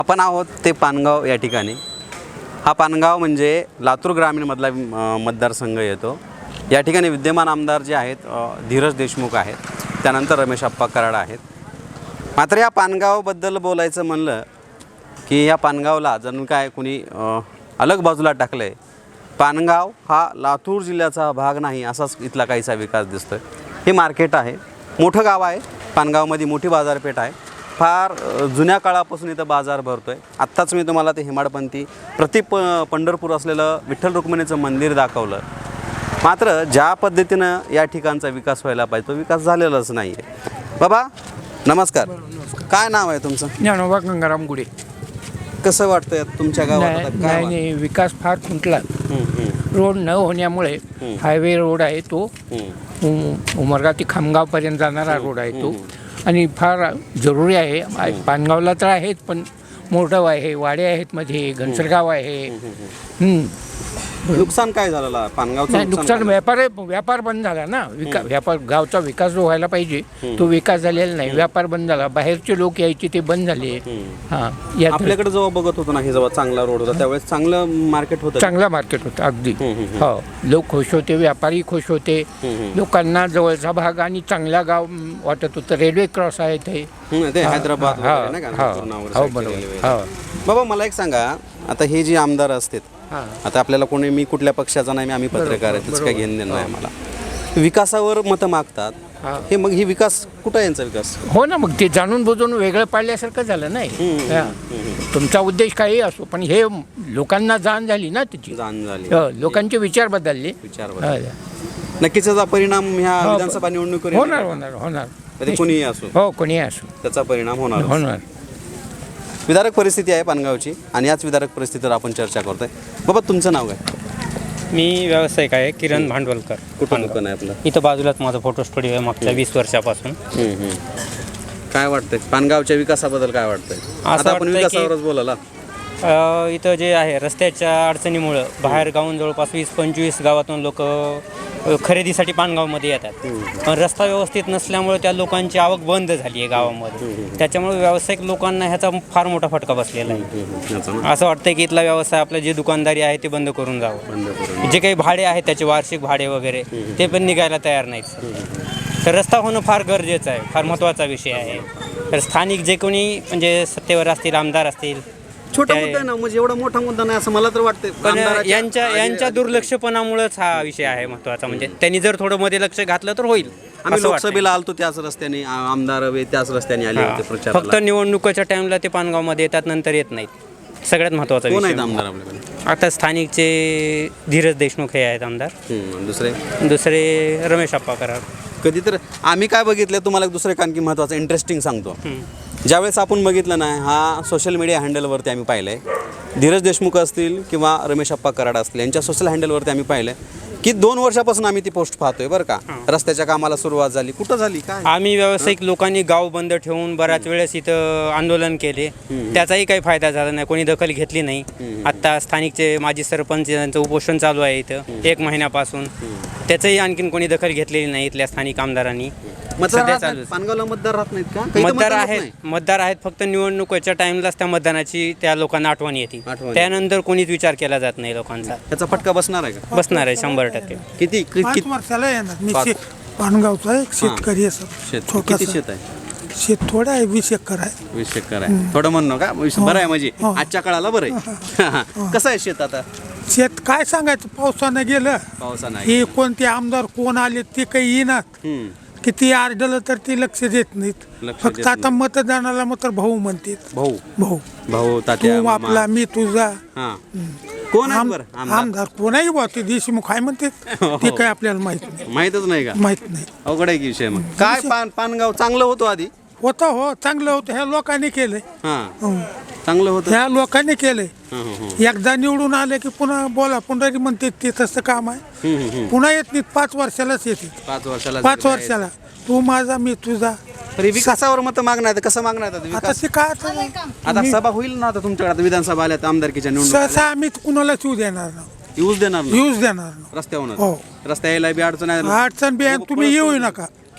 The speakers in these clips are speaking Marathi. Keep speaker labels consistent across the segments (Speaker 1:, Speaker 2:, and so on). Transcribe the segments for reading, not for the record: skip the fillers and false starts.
Speaker 1: आपण आहोत ते पानगाव या ठिकाणी. हा पानगाव म्हणजे लातूर ग्रामीणमधला मतदारसंघ येतो. या ठिकाणी विद्यमान आमदार जे आहेत धीरज देशमुख आहेत, त्यानंतर रमेश आप्पा कराड आहेत. मात्र या पानगावबद्दल बोलायचं म्हणलं की या पानगावला जणू काय कुणी अलग बाजूला टाकलं आहे. पानगाव हा लातूर जिल्ह्याचा भाग नाही असाच इथला काहीसा विकास दिसतो आहे. हे मार्केट आहे, मोठं गाव आहे. पानगावमध्ये मोठी बाजारपेठ आहे. फार जुन्या काळापासून इथं बाजार भरतो आहे. आत्ताच मी तुम्हाला ते हेमाडपंथी पंढरपूर असलेलं विठ्ठल रुक्मिणीचं मंदिर दाखवलं. मात्र ज्या पद्धतीनं या ठिकाणचा विकास व्हायला पाहिजे तो विकास झालेलाच नाही आहे. बाबा नमस्कार, काय नाव आहे तुमचं?
Speaker 2: ज्ञानोबा गंगाराम गुडे.
Speaker 1: कसं वाटतंय तुमच्या गावात?
Speaker 2: नाही, विकास फार खुंटला. रोड न होण्यामुळे हायवे रोड आहे तो, उमरगा ते खामगावपर्यंत जाणारा रोड आहे तो, आणि फार जरुरी आहे. पानगावला तर आहेत, पण मोठं आहे, वाडे आहेत, मध्ये घनसरगाव आहे.
Speaker 1: नुकसान काय झालं पानगावचं?
Speaker 2: नुकसान व्यापार बंद झाला ना. व्यापार गावचा विकास जो व्हायला पाहिजे तो विकास झालेला नाही. व्यापार बंद झाला, बाहेरचे लोक यायचे ते बंद झाले.
Speaker 1: आपल्याकडे जेव्हा बघत होतो ना, जेव्हा चांगला रोड होता त्यावेळेस चांगलं मार्केट होतं.
Speaker 2: चांगला मार्केट होतं अगदी. हो, लोक खुश होते, व्यापारी खुश होते, लोकांना जवळचा भाग आणि चांगला गाव वाटत होतं. रेल्वे क्रॉस आहे ते
Speaker 1: हैदराबाद. बाबा मला एक सांगा, आता हे जे आमदार असतात, आता आपल्याला कोणी, मी कुठल्या पक्षाचा नाही, आम्ही पत्रकार आहे, त्याचं काय घेणं देणं नाही मला. विकासावर मतं मागतात हे, मग ही विकास कुठं आहे यांचा विकास?
Speaker 2: हो ना, मग ते जाणून बुजून वेगळं पाडल्यासारखं झालं नाही. तुमचा उद्देश काही असो, पण हे लोकांना जाण झाली ना, त्याची
Speaker 1: जाण झाली,
Speaker 2: लोकांचे विचार बदलले.
Speaker 1: नक्कीच त्याचा परिणाम ह्या विधानसभा निवडणुकीवर
Speaker 2: होणार.
Speaker 1: कोणीही असो,
Speaker 2: हो, कोणीही असो,
Speaker 1: त्याचा परिणाम होणार. विदारक परिस्थिती आहे पानगावची, आणि याच विदारक परिस्थितीवर आपण चर्चा करतोय. बाबा तुमचं नाव काय?
Speaker 3: मी व्यावसायिक आहे, किरण भांडवलकर.
Speaker 1: कुठं दुकान आहे आपलं?
Speaker 3: इथं बाजूलाच माझा फोटो स्टुडिओ आहे मागच्या 20 वर्षापासून.
Speaker 1: काय वाटतंय पानगावच्या विकासाबद्दल? काय वाटतंय? आता आपण विकासावरच बोलायला.
Speaker 3: इथं जे आहे रस्त्याच्या अडचणीमुळं बाहेर गावून जवळपास 20-25 गावातून लोक खरेदीसाठी पानगावमध्ये येतात. पण रस्ता व्यवस्थित नसल्यामुळे त्या लोकांची आवक बंद झाली आहे गावामध्ये. त्याच्यामुळे व्यावसायिक लोकांना ह्याचा फार मोठा फटका बसलेला आहे. असं वाटतं की इथला व्यवसाय, आपलं जे दुकानदारी आहे ते बंद करून जावं. जे काही भाडे आहेत त्याचे वार्षिक भाडे वगैरे ते पण निघायला तयार नाहीत. तर रस्ता होणं फार गरजेचं आहे, फार महत्त्वाचा विषय आहे. तर स्थानिक जे कोणी म्हणजे सत्तेवर असतील, आमदार असतील,
Speaker 1: छोटा मुद्दा आहे ना, म्हणजे एवढा मोठा मुद्दा नाही असं मला तर वाटतं.
Speaker 3: पण यांच्या दुर्लक्षपणामुळेच हा विषय आहे महत्त्वाचा. म्हणजे त्यांनी जर थोडं मध्ये लक्ष घातलं तर होईल.
Speaker 1: आम्ही लोकसभेला आलतो त्याच रस्त्याने, आमदार त्याच रस्त्याने आले होते प्रचार.
Speaker 3: फक्त निवडणुकीच्या टाइमला ते पानगावमध्ये येतात, नंतर येत नाहीत. सगळ्यात महत्त्वाचा
Speaker 1: कोण
Speaker 3: विषय.
Speaker 1: आहेत आमदार आपल्याकडे?
Speaker 3: आता स्थानिकचे धीरज देशमुख हे आहेत आमदार. दुसरे रमेश आप्पा कराड.
Speaker 1: कधी तर आम्ही काय बघितलं, तुम्हाला एक दुसरं आणखी महत्त्वाचं इंटरेस्टिंग सांगतो. ज्यावेळेस आपण बघितलं ना, हा सोशल मीडिया हँडलवरती आम्ही पाहिलं आहे, धीरज देशमुख असतील किंवा रमेश आप्पा कराड असतील, यांच्या सोशल हँडलवरती आम्ही पाहिलं की 2 वर्षापासून आम्ही ती पोस्ट पाहतोय बरं का. रस्त्याच्या कामाला सुरुवात झाली, कुठं झाली काय?
Speaker 3: आम्ही व्यावसायिक लोकांनी गाव बंद ठेवूून बऱ्याच वेळेस इथं आंदोलन केले, त्याचाही काही फायदा झाला नाही, कोणी दखल घेतली नाही. आत्ता स्थानिकचे माजी सरपंच यांचं उपोषण चालू आहे इथं 1 महिन्यापासून, त्याचंही आणखीन कोणी दखल घेतलेली नाही इथल्या स्थानिक आमदारांनी.
Speaker 1: पानगावला मतदार राहत नाहीत का?
Speaker 3: मतदार आहेत, फक्त निवडणुकीच्या टाइमलाच त्या मतदानाची त्या लोकांना आठवण येते. त्यानंतर कोणीच विचार केला जात नाही लोकांचा.
Speaker 1: त्याचा फटका बसणार आहे का?
Speaker 3: बसणार आहे 100%.
Speaker 1: किती
Speaker 4: 5 वर्षाला येणार. मी पानगावचा एक शेतकरी आहे.
Speaker 1: किती शेत आहे?
Speaker 4: शेत थोडं आहे, 20 एकर आहे.
Speaker 1: 20 एकर आहे. थोडं म्हणणं का बरं आहे, म्हणजे आजच्या काळाला बरं आहे. कसं आहे शेत आता?
Speaker 4: शेत काय सांगायचं, पावसानं गेलं.
Speaker 1: पावसानं
Speaker 4: हे कोणते आमदार कोण आले ते काही येणार, किती आरडलं तर ते लक्ष देत नाहीत. फक्त आता मतदानाला मात्र भाऊ म्हणतात.
Speaker 1: भाऊ तात्या
Speaker 4: तू आपला, मी तुझा.
Speaker 1: कोण
Speaker 4: आमदार कोणाही बा, ते देशमुख आहे म्हणतात. ते काय आपल्याला
Speaker 1: माहितच नाही का?
Speaker 4: माहित नाही.
Speaker 1: अवघड आहे की विषय. मग काय पानगाव चांगलं होतं आधी?
Speaker 4: होतं, हो चांगलं होतं. ह्या लोकांनी केलंय.
Speaker 1: चांगलं होतं,
Speaker 4: ह्या लोकांनी केलंय. एकदा निवडून आले की पुन्हा बोला, पुन्हा म्हणते ते तसं काम आहे. पुन्हा येत नाही, 5 वर्षालाच येते. 5 वर्षाला तू माझा, मी तुझा.
Speaker 1: विकासावर मत मागणार, कसं मागणार
Speaker 4: आता ते काय,
Speaker 1: आता सभा होईल ना, आता तुमच्याकडे विधानसभा आल्या आमदारकीच्या
Speaker 4: सहसा आम्ही कुणाला येऊ देणार ना.
Speaker 1: यूज देणार
Speaker 4: ना
Speaker 1: रस्त्यावर. रस्ता यायला बी अडचण आहे.
Speaker 4: अडचण बी तुम्ही येऊ नका.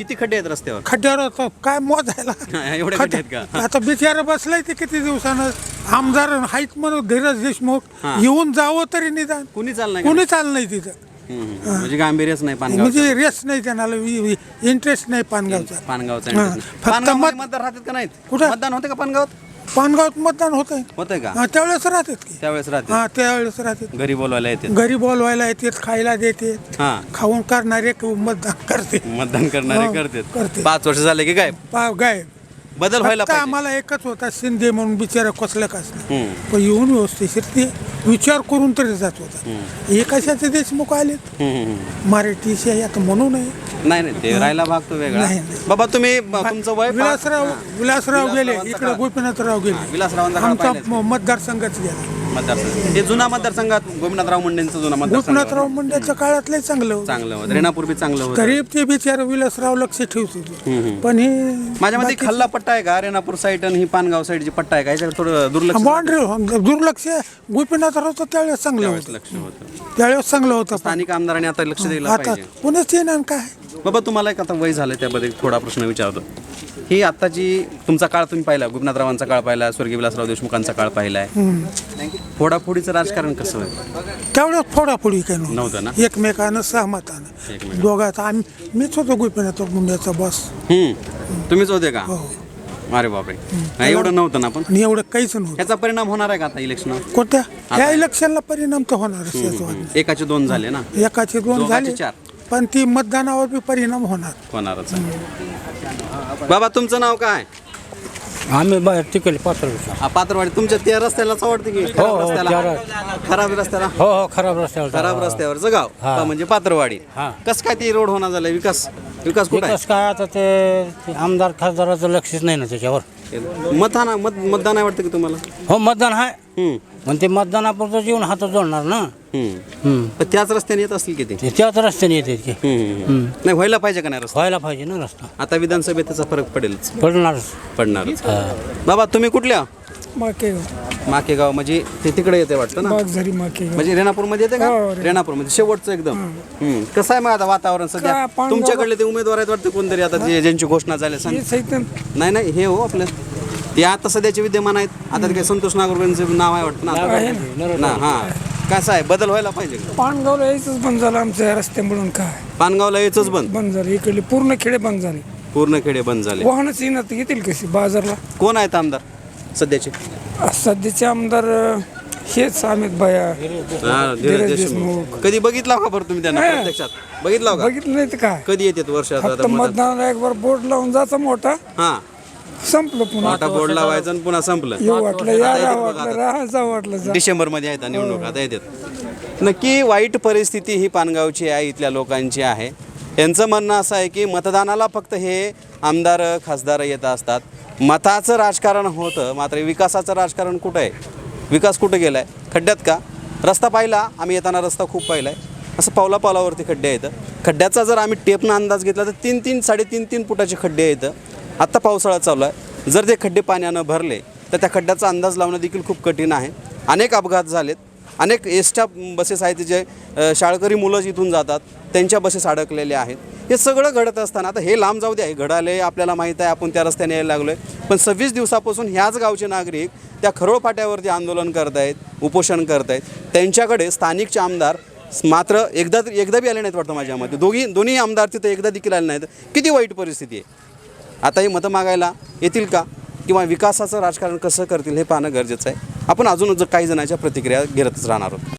Speaker 1: किती खड्डे आहेत रस्त्यावर?
Speaker 4: खड्ड्यावर आता काय मोजायला.
Speaker 1: एवढे खड्डे आहेत का?
Speaker 4: आता बिचारा बसलाय ते किती दिवसानं. आमदार आहेत म्हणून धीरज देशमुख,
Speaker 1: हा.
Speaker 4: येऊन जावं तरी निदान.
Speaker 1: कुणी चालणार
Speaker 4: कोणी चाललं नाही तिथं.
Speaker 1: म्हणजे गांभीर्यच नाही पानगाव.
Speaker 4: म्हणजे रेस नाही त्यांना, इंटरेस्ट नाही पानगावचा.
Speaker 1: पानगावचा
Speaker 4: हा.
Speaker 1: interest नाही.
Speaker 4: फक्त
Speaker 1: पानगावमध्ये मतदार राहतात का नाहीत?
Speaker 4: कुठं?
Speaker 1: मतदान होते का पानगावात?
Speaker 4: पानगावात मतदान होत आहे.
Speaker 1: होतंय का?
Speaker 4: त्यावेळेस राहतात की.
Speaker 1: त्यावेळेस राहते,
Speaker 4: हा त्यावेळेस राहतात.
Speaker 1: घरी बोलवायला येते.
Speaker 4: घरी बोलवायला येतात, खायला देते,
Speaker 1: हा,
Speaker 4: खाऊन करणारे मतदान करते.
Speaker 1: मतदान करणारे
Speaker 4: हो,
Speaker 1: करतात.
Speaker 4: करते.
Speaker 1: 5 वर्ष झाले की काय
Speaker 4: गाय
Speaker 1: बदल व्हायला
Speaker 4: फक्त
Speaker 1: पाहिजे.
Speaker 4: आम्हाला एकच होता शिंदे म्हणून बिचारा कसलं कसलं,
Speaker 1: हम्म.
Speaker 4: पण येऊन व्यवस्थित ते विचार करून तरी जात होता. हे कशाचे देशमुख आलेत मराठी आता म्हणू नये.
Speaker 1: नाही नाही, ते राहायला भाग तो वेगळा.
Speaker 4: नाही, नाही.
Speaker 1: बाबा तुम्ही तुमचं वय
Speaker 4: विलासराव गेले इकडे, गोपीनाथराव गेले.
Speaker 1: विलासरावांचा काळ
Speaker 4: आमचा
Speaker 1: पाहिलाच.
Speaker 4: मतदारसंघच गेला.
Speaker 1: मतदारसंघ हे जुना मतदारसंघात गोपीनाथराव मुंडेंचं जुना मतदारसंघ
Speaker 4: गोपीनाथराव मुंडेच्या काळातले चांगलं होतं.
Speaker 1: चांगलं होतं. रेणापूर बी चांगलं होतं.
Speaker 4: गरीब ते बिचारे विलासराव लक्ष ठेवत होते. पण हे
Speaker 1: माझ्या मध्ये खाल्ला पट्टा आहे का? रेणापूर साईड आणि ही पानगाव साईडची पट्टा आहे का? याच्याकडे थोडं दुर्लक्ष
Speaker 4: बाउंड्री दुर्लक्ष गोपीनाथरावचं त्यावेळेस चांगलं होतं.
Speaker 1: लक्ष होतं.
Speaker 4: त्यावेळेस चांगलं होतं.
Speaker 1: स्थानिक आमदारांनी आता लक्ष दिलं
Speaker 4: आता
Speaker 1: पाहिजे.
Speaker 4: पुण्याच येणार काय.
Speaker 1: बाबा तुम्हाला एक आता वय झालं, त्याबद्दल थोडा प्रश्न विचारतो. ही आत्ताची तुमचा काळ तुम्ही पाहिला, गोपीनाथरावांचा काळ पाहिला, स्वर्गीय विलासराव देशमुखांचा काळ पाहिलाय. फोडाफोडीचं राजकारण कसं आहे?
Speaker 4: त्यावेळेस फोडाफोडी काही
Speaker 1: नव्हतं ना?
Speaker 4: एकमेकानं सहमतानं दोघात. मीच होतो गोपीनाथ मुंडेचा बॉस.
Speaker 1: तुम्हीच होते का?
Speaker 4: हो.
Speaker 1: अरे बापरे, नाही, एवढं नव्हतं ना. पण
Speaker 4: आणि एवढं काहीच नव्हतं.
Speaker 1: याचा परिणाम होणार आहे का आता इलेक्शन?
Speaker 4: कोणत्या ह्या इलेक्शनला परिणाम तर होणारच.
Speaker 1: एकाचे 2 झाले ना,
Speaker 4: एकाचे 2
Speaker 1: दोघाचे
Speaker 4: झाले,
Speaker 1: 4
Speaker 4: पण ती मतदानावर बी परिणाम होणार.
Speaker 1: होणारच आहे. बाबा तुमचं नाव काय?
Speaker 5: आम्ही बाहेर तिकडे पात्र
Speaker 1: पात्रवाडी. तुमच्या त्या रस्त्यालाच आवडते की?
Speaker 5: हो,
Speaker 1: खराब रस्त्याला? खराब रस्त्याला?
Speaker 5: हो हो खराब रस्त्यावर
Speaker 1: खराब रस्त्यावरचं गाव
Speaker 5: हा.
Speaker 1: म्हणजे पात्रवाडी.
Speaker 5: हा.
Speaker 1: कसं काय ते रोड होणार झालाय? विकास विकास कुठं
Speaker 5: विकास काय आता ते आमदार खासदाराचं लक्षच नाही ना त्याच्यावर.
Speaker 1: आहे? मतदान आहे वाटतं की तुम्हाला?
Speaker 5: हो मतदान आहे,
Speaker 1: हम्म,
Speaker 5: पण ते मतदानापुरतं जीवन हातात जोडणार ना.
Speaker 1: हम्म. पण त्याच रस्त्याने येत असतील किती?
Speaker 5: ते त्याच रस्त्याने येते की
Speaker 1: नाही, व्हायला पाहिजे का नाही रस्ता?
Speaker 5: व्हायला पाहिजे ना रस्ता.
Speaker 1: आता विधानसभेत त्याचा फरक पडेलच,
Speaker 5: पडणारच.
Speaker 1: पडणारच. बाबा तुम्ही कुठल्या?
Speaker 4: माकेगाव
Speaker 1: माकेगाव म्हणजे ते तिकडे येते वाटतं ना?
Speaker 4: बागझरी माकेगाव.
Speaker 1: म्हणजे रेणापूर मध्ये येते का?
Speaker 4: हो,
Speaker 1: रेणापूर मध्ये शेवटचं एकदम. कसं आहे मग आता वातावरण सध्या?
Speaker 4: काय, पानगाव-
Speaker 1: तुमच्याकडले ते उमेदवार आहेत वाटतं कोणतरी आता ज्यांची घोषणा झाली सांग. नाही नाही, हे हो आपलं ते आता सध्याचे विद्यमान आहेत. आता ते काही संतोष नागोरकरांचं नाव आहे वाटतं ना? हा, कसं आहे, बदल व्हायला पाहिजे का?
Speaker 6: पानगावला यायचंच बंद झालं आमच्या रस्त्यामुळून. काय
Speaker 1: पानगावला यायचंच बंद?
Speaker 6: बंद झालं, इकडले पूर्ण खेडे बंद झाले.
Speaker 1: पूर्ण खेडे बंद झाले.
Speaker 6: वाहनच येणार येतील कशी बाजारला.
Speaker 1: कोण आहेत आमदार सध्याचे?
Speaker 6: सध्याचे आमदार हेच अमित भया.
Speaker 1: हा, धीरज देशमुख. कधी बघितला का बरं तुम्ही त्यांना
Speaker 6: नाही.
Speaker 1: प्रत्यक्षात? बघितला का?
Speaker 6: बघितलं नाही तर काय,
Speaker 1: कधी येतात वर्षात?
Speaker 6: फक्त मतदानाला एक बार बोर्ड लावून जायचा मोठा,
Speaker 1: हा,
Speaker 6: संपलं पुन्हा.
Speaker 1: मोठा बोर्ड लावायचा आणि पुन्हा संपलं.
Speaker 6: येऊ वाटलं या, राहा वाटलं राहा, जा वाटलं जा.
Speaker 1: डिसेंबर मध्ये आहेत निवडणूक आता येतात. नक्की वाईट परिस्थिती ही पानगावची आहे, इथल्या लोकांची आहे. यांचं म्हणणं असं आहे की मतदानाला फक्त हे आमदार खासदार येत असतात, मताचं राजकारण होतं, मात्र विकासाचं राजकारण कुठं आहे? विकास कुठं गेला आहे? खड्ड्यात का? रस्ता पाहिला आम्ही येताना, रस्ता खूप पाहिला आहे. असं पावलापावलावरती खड्डे आहेत. खड्ड्याचा जर आम्ही टेपनं अंदाज घेतला तर 3-3, 3.5 फुटाचे खड्डे आहेत. आत्ता पावसाळा चालू आहे. जर ते खड्डे पाण्यानं भरले तर त्या खड्ड्याचा अंदाज लावणं देखील खूप कठीण आहे. अनेक अपघात झालेत. अनेक एसट्या बसेस आहेत जे शाळकरी मुलं इथून जातात, त्यांच्या बसेस अडकलेल्या आहेत. हे सगळं घडत असताना आता हे लांब जाऊ द्या, हे घडाले आपल्याला माहीत आहे, आपण त्या रस्त्याने यायला लागलो आहे. पण 26 दिवसापासून ह्याच गावचे नागरिक त्या खरोळ फाट्यावरती आंदोलन करत आहेत, उपोषण करत आहेत. त्यांच्याकडे स्थानिकचे आमदार मात्र एकदा बी आले नाहीत वाटतं माझ्या मते. दोन्ही आमदार तिथं एकदा देखील आले नाहीत. किती वाईट परिस्थिती आहे. आता हे मतं मागायला येतील का, किंवा विकासाचं राजकारण कसं करतील हे पाहणं गरजेचं आहे. आपण अजून काही जणांच्या प्रतिक्रिया घेतच राहणार आहोत.